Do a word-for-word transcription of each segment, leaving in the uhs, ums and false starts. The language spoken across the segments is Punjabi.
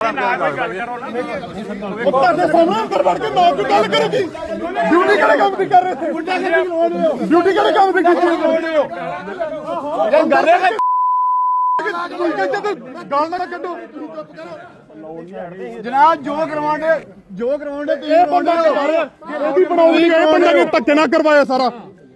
ਤੁਹਾਡੇ ਸਾਹਮਣੇ ਅੰਦਰ ਵੜ ਕੇ ਨਾ ਕੋਈ ਗੱਲ ਕਰੇਗੀ। ਡਿਊਟੀ ਕਿਹੜੇ ਕੰਮ ਦੀ ਕਰ ਰਹੇ ਥੇ? ਡਿਊਟੀ ਕਿਹੜੇ ਕੰਮ ਦੀ ਕੀਤੀ ਇਹ ਗੱਲ ਹੈ ਗਾਲ ਨਾ ਕੱਢੋ ਜਨਾਬ। ਜੋ ਕਰਵਾਉਂਦੇ ਜੋ ਕਰਵਾਉਂਦੇ ਤੁਸੀਂ ਬੰਦਾ ਇਹਦੀ ਬਣਾਉਣੀ ਇਹ ਬੰਦੇ ਨੇ ਧੱਕੇ ਨਾ ਕਰਵਾਇਆ ਸਾਰਾ।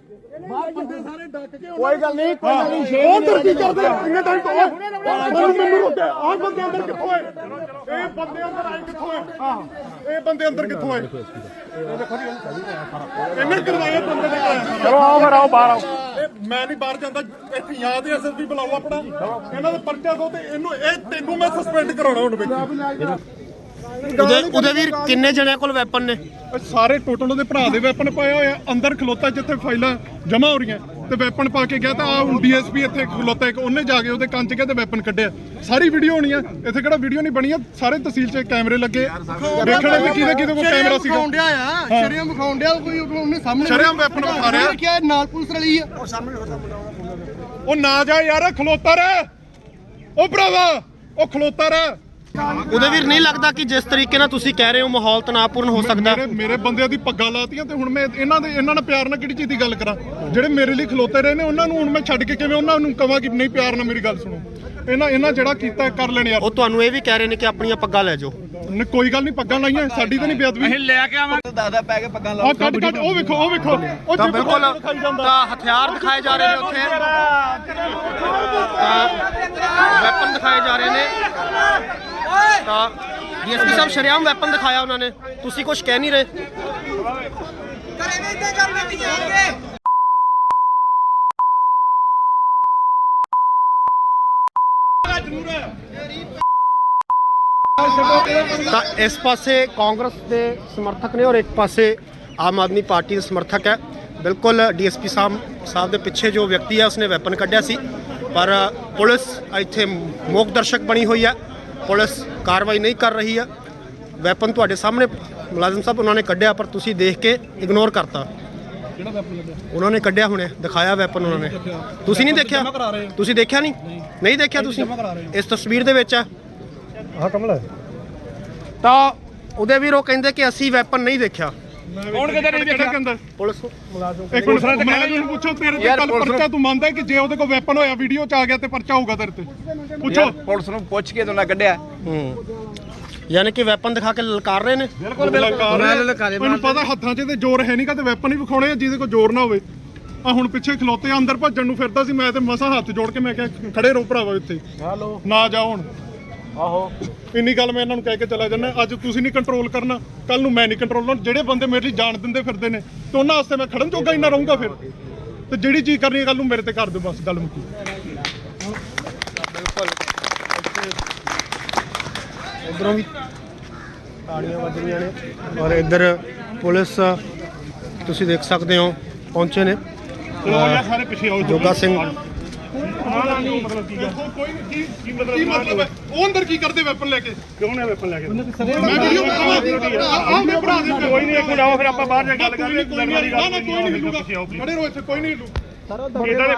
ਕੋਈ ਗੱਲ ਨਹੀਂ ਕੋਈ ਗੱਲ ਨਹੀਂ ਉਹ ਅੰਦਰ ਕੀ ਕਰਦੇ ਇੰਨੇ ਟਾਈਮ ਤੋਂ ਮੈਨੂੰ ਮੈਨੂੰ ਰੋਕਿਆ ਆਹ ਬੰਦੇ ਅੰਦਰ ਕਿੱਥੋਂ ਆਏ? ਇਹ ਬੰਦੇ ਅੰਦਰ ਆਏ ਕਿੱਥੋਂ ਆਏ? ਆਹ ਇਹ ਬੰਦੇ ਅੰਦਰ ਕਿੱਥੋਂ ਆਏ? ਇਹ ਦੇਖੋ ਜੀ ਇਹਨੇ ਕਰਵਾਇਆ ਬੰਦੇ ਨੇ। ਚਲੋ ਆਓ ਫਿਰ ਆਓ ਬਾਹਰ ਆਓ। ਮੈਂ ਨਹੀਂ ਬਾਹਰ ਜਾਂਦਾ ਇੱਥੇ ਯਾਦ ਹੈ ਐਸਐਸਪੀ ਬੁਲਾਓ ਆਪਣਾ ਇਹਨਾਂ ਦਾ ਪਰਚਾ ਦੋ ਤੇ ਇਹਨੂੰ ਇਹ ਤੈਨੂੰ ਮੈਂ ਸਸਪੈਂਡ ਕਰਾਉਣਾ ਹੁਣ ਵਿੱਚ। ਉਹਦੇ ਉਹਦੇ ਵੀਰ ਕਿੰਨੇ ਜਣਿਆਂ ਕੋਲ ਵੈਪਨ ਨੇ? ਸਾਰੇ ਟੋਟਲ ਉਹਦੇ ਭਰਾ ਦੇ ਵੈਪਨ ਪਾਏ ਹੋਏ ਆ। ਅੰਦਰ ਖਲੋਤਾ ਜਿੱਥੇ ਫਾਈਲਾਂ ਜਮ੍ਹਾਂ ਹੋ ਰਹੀਆਂ ਤੇ ਵੈਪਨ ਪਾ ਕੇ ਗਿਆ ਤਾਂ ਆ ਹੁਣ ਡੀਐਸਪੀ ਇੱਥੇ ਖਲੋਤਾ ਇੱਕ ਉਹਨੇ ਜਾ ਕੇ ਉਹਦੇ ਕੰਨ 'ਚ ਗਿਆ ਤੇ ਵੈਪਨ ਕੱਢਿਆ। ਸਾਰੀ ਵੀਡੀਓ ਹੋਣੀ ਆ ਇੱਥੇ, ਕਿਹੜਾ ਵੀਡੀਓ ਨਹੀਂ ਬਣੀ ਆ। ਸਾਰੇ ਤਹਿਸੀਲ 'ਚ ਕੈਮਰੇ ਲੱਗੇ ਵੇਖਣੇ ਵੀ ਕਿਹਦੇ ਕਿਹਦੇ ਕੋਲ ਕੈਮਰਾ ਸੀਗਾ। ਸ਼ਰੀਆਮ ਵਿਖਾਉਣ ਡਿਆ ਕੋਈ ਉਹਨੇ ਸਾਹਮਣੇ ਸ਼ਰੀਆਮ ਵੈਪਨ ਵਿਖਾ ਰਿਹਾ ਕਿ ਨਾਲ ਪੁਲਿਸ ਰਲੀ ਆ। ਉਹ ਸਾਹਮਣੇ ਉਹ ਨਾ ਜਾ ਯਾਰ ਖਲੋਤਾ ਰਹਿ ਉਹ ਭਰਾਵਾ ਉਹ ਖਲੋਤਾ ਰਹਿ। ਉਹਦੇ ਵੀਰ ਨਹੀਂ ਲੱਗਦਾ ਕਿ ਜਿਸ ਤਰੀਕੇ ਨਾਲ ਤੁਸੀਂ ਕਹਿ ਰਹੇ ਹੋ ਮਾਹੌਲ ਤਣਾਅਪੂਰਨ ਹੋ ਸਕਦਾ? ਮੇਰੇ ਮੇਰੇ ਬੰਦਿਆਂ ਦੀ ਪੱਗਾਂ ਲਾਤੀਆਂ ਤੇ ਹੁਣ ਮੈਂ ਇਹਨਾਂ ਦੇ ਇਹਨਾਂ ਨਾਲ ਪਿਆਰ ਨਾਲ ਕਿਹੜੀ ਚੀਜ਼ ਦੀ ਗੱਲ ਕਰਾਂ? ਜਿਹੜੇ ਮੇਰੇ ਲਈ ਖਲੋਤੇ ਰਹੇ ਨੇ ਉਹਨਾਂ ਨੂੰ ਹੁਣ ਮੈਂ ਛੱਡ ਕੇ ਕਿਵੇਂ ਉਹਨਾਂ ਨੂੰ ਕਹਾਂ ਕਿ ਨਹੀਂ ਪਿਆਰ ਨਾਲ ਮੇਰੀ ਗੱਲ ਸੁਣੋ? ਇਹਨਾਂ ਇਹਨਾਂ ਜਿਹੜਾ ਕੀਤਾ ਕਰ ਲੈਣ ਯਾਰ। ਉਹ ਤੁਹਾਨੂੰ ਇਹ ਵੀ ਕਹਿ ਰਹੇ ਨੇ ਕਿ ਆਪਣੀਆਂ ਪੱਗਾਂ ਲੈ ਜਾਓ। ਨਹੀਂ ਕੋਈ ਗੱਲ ਨਹੀਂ ਪੱਗਾਂ ਲਾਈਆਂ ਸਾਡੀ ਤਾਂ ਨਹੀਂ ਬੇਅਦਬੀ। ਅਸੀਂ ਲੈ ਕੇ ਆਵਾਂਗੇ ਦਾਦਾ ਪੈ ਕੇ ਪੱਗਾਂ ਲਾਓ। ਆਹ ਕੱਢ ਕੱਢ ਉਹ ਵੇਖੋ ਉਹ ਵੇਖੋ ਉਹ ਤਾਂ ਬਿਲਕੁਲ ਤਾਂ ਹਥਿਆਰ ਦਿਖਾਏ ਜਾ ਰਹੇ ਨੇ ਉੱਥੇ, ਤਾਂ ਵੈਪਨ ਦਿਖਾਏ ਜਾ ਰਹੇ ਨੇ। ਤਾਂ ਡੀਐਸਪੀ ਸਾਹਿਬ ਸ਼ਰੇਆਮ ਵੈਪਨ ਦਿਖਾਇਆ ਉਹਨਾਂ ਨੇ, ਤੁਸੀਂ ਕੁਝ ਕਹਿ ਨਹੀਂ ਰਹੇ। ਤਾਂ ਇਸ ਪਾਸੇ ਕਾਂਗਰਸ ਦੇ ਸਮਰਥਕ ਨੇ ਔਰ ਇੱਕ ਪਾਸੇ ਆਮ ਆਦਮੀ ਪਾਰਟੀ ਦੇ ਸਮਰਥਕ ਹੈ। ਬਿਲਕੁਲ ਡੀਐਸਪੀ ਸਾਹਿਬ ਸਾਹਿਬ ਦੇ ਪਿੱਛੇ ਜੋ ਵਿਅਕਤੀ ਹੈ ਉਸਨੇ ਵੈਪਨ ਕੱਢਿਆ ਸੀ, ਪਰ ਪੁਲਿਸ ਇੱਥੇ ਮੂਕ ਦਰਸ਼ਕ ਬਣੀ ਹੋਈ ਹੈ। ਪੁਲਿਸ ਕਾਰਵਾਈ ਨਹੀਂ ਕਰ ਰਹੀ ਹੈ। ਵੈਪਨ ਤੁਹਾਡੇ ਸਾਹਮਣੇ ਮੁਲਾਜ਼ਮ ਸਾਹਿਬ ਉਹਨਾਂ ਨੇ ਕੱਢਿਆ, ਪਰ ਤੁਸੀਂ ਦੇਖ ਕੇ ਇਗਨੋਰ ਕਰਤਾ। ਉਹਨਾਂ ਨੇ ਕੱਢਿਆ ਹੁਣੇ ਦਿਖਾਇਆ ਵੈਪਨ ਉਹਨਾਂ ਨੇ, ਤੁਸੀਂ ਨਹੀਂ ਦੇਖਿਆ? ਤੁਸੀਂ ਦੇਖਿਆ ਨਹੀਂ? ਨਹੀਂ ਦੇਖਿਆ ਤੁਸੀਂ? ਇਸ ਤਸਵੀਰ ਦੇ ਵਿੱਚ ਆ ਆਹ ਕਮਲ ਤਾਂ ਉਹਦੇ ਵੀਰ ਉਹ ਕਹਿੰਦੇ ਕਿ ਅਸੀਂ ਵੈਪਨ ਨਹੀਂ ਦੇਖਿਆ। ਕੌਣ ਕਹਿੰਦਾ ਨਹੀਂ ਦੇਖਿਆ? ਕਹਿੰਦਾ ਪੁਲਿਸ ਮੁਲਾਜ਼ਮ ਇੱਕ ਮਿੰਟ ਮੁਲਾਜ਼ਮ ਨੂੰ ਪੁੱਛੋ ਤੇਰੇ ਤੇ ਕੱਲ ਪਰਚਾ ਤੂੰ ਮੰਨਦਾ ਕਿ ਜੇ ਉਹਦੇ ਕੋਲ ਵੈਪਨ ਹੋਇਆ ਵੀਡੀਓ 'ਚ ਆ ਗਿਆ ਤੇ ਪਰਚਾ ਹੋਊਗਾ ਤੇਰੇ ਤੇ? ਪੁੱਛੋ ਪੁਲਿਸ ਨੂੰ ਪੁੱਛ ਕੇ ਤੁਹਾਨੂੰ ਕੱਢਿਆ। ਹੂੰ ਯਾਨੀ ਕਿ ਵੈਪਨ ਦਿਖਾ ਕੇ ਲਲਕਾਰ ਰਹੇ ਨੇ। ਬਿਲਕੁਲ ਮੈਨੂੰ ਪਤਾ ਹੱਥਾਂ 'ਚ ਤੇ ਜ਼ੋਰ ਹੈ ਨਹੀਂ, ਕਦੇ ਵੈਪਨ ਹੀ ਵਿਖਾਉਣੇ ਆ ਜਿਹਦੇ ਕੋਲ ਜ਼ੋਰ ਨਾ ਹੋਵੇ। ਆ ਹੁਣ ਪਿੱਛੇ ਖਲੋਤੇ ਅੰਦਰ ਭੱਜਣ ਨੂੰ ਫਿਰਦਾ ਸੀ, ਮੈਂ ਤੇ ਮਸਾ ਹੱਥ ਜੋੜ ਕੇ ਮੈਂ ਕਿਹਾ ਖੜੇ ਰਹੋ ਭਰਾਵਾ ਇੱਥੇ ਨਾ ਜਾਓ ਹੁਣ। ਆਹੋ ਇੰਨੀ ਗੱਲ ਮੈਂ ਇਹਨਾਂ ਨੂੰ ਕਹਿ ਕੇ ਚਲਾ ਜਾਂਦਾ। ਅੱਜ ਤੁਸੀਂ ਨਹੀਂ ਕੰਟਰੋਲ ਕਰਨਾ, ਕੱਲ ਨੂੰ ਮੈਂ ਨਹੀਂ ਕੰਟਰੋਲ ਕਰਨਾ। ਜਿਹੜੇ ਬੰਦੇ ਮੇਰੇ ਲਈ ਜਾਣ ਦਿੰਦੇ ਫਿਰਦੇ ਨੇ ਤੇ ਉਹਨਾਂ ਵਾਸਤੇ ਮੈਂ ਖੜਨ ਜੋਗਾ ਹੀ ਨਾ ਰਹੂੰਗਾ ਫਿਰ। ਤੇ ਜਿਹੜੀ ਚੀਜ਼ ਕਰਨੀ ਹੈ ਕੱਲ ਨੂੰ ਮੇਰੇ ਤੇ ਕਰ ਦਿਓ, ਬਸ ਗੱਲ ਮੁੱਕੀ। ਉਧਰੋਂ ਵੀ ਤਾੜੀਆਂ ਵੱਜ ਰਹੀਆਂ ਨੇ ਔਰ ਇੱਧਰ ਪੁਲਿਸ ਤੁਸੀਂ ਦੇਖ ਸਕਦੇ ਹੋ ਪਹੁੰਚੇ ਨੇ। ਸਾਰੇ ਪਿੱਛੇ ਆਓ। ਜੋਗਾ ਸਿੰਘ ਮਤਲਬ ਕੀ ਕੀ ਮਤਲਬ ਹੈ? ਉਹ ਅੰਦਰ ਕੀ ਕਰਦੇ ਵੈਪਨ ਲੈ ਕੇ? ਕਿਉਂ ਨੇ ਵੈਪਨ ਲੈ ਕੇ? ਮੈਂ ਵੀਡੀਓ ਵਿਖਾਵਾਂ ਆ ਮੇਰੇ ਭਰਾ ਦੇ। ਕੋਈ ਨਹੀਂ ਇੱਕ ਮਿੰਟ ਆਓ ਫਿਰ ਆਪਾਂ ਬਾਹਰ ਜਾ ਕੇ ਗੱਲ ਕਰਾਂਗੇ। ਨਾ ਨਾ ਕੋਈ ਨਹੀਂ ਹਿੱਲੂਗਾ, ਖੜੇ ਰਹੋ ਇੱਥੇ ਕੋਈ ਨਹੀਂ ਹਿੱਲੂ।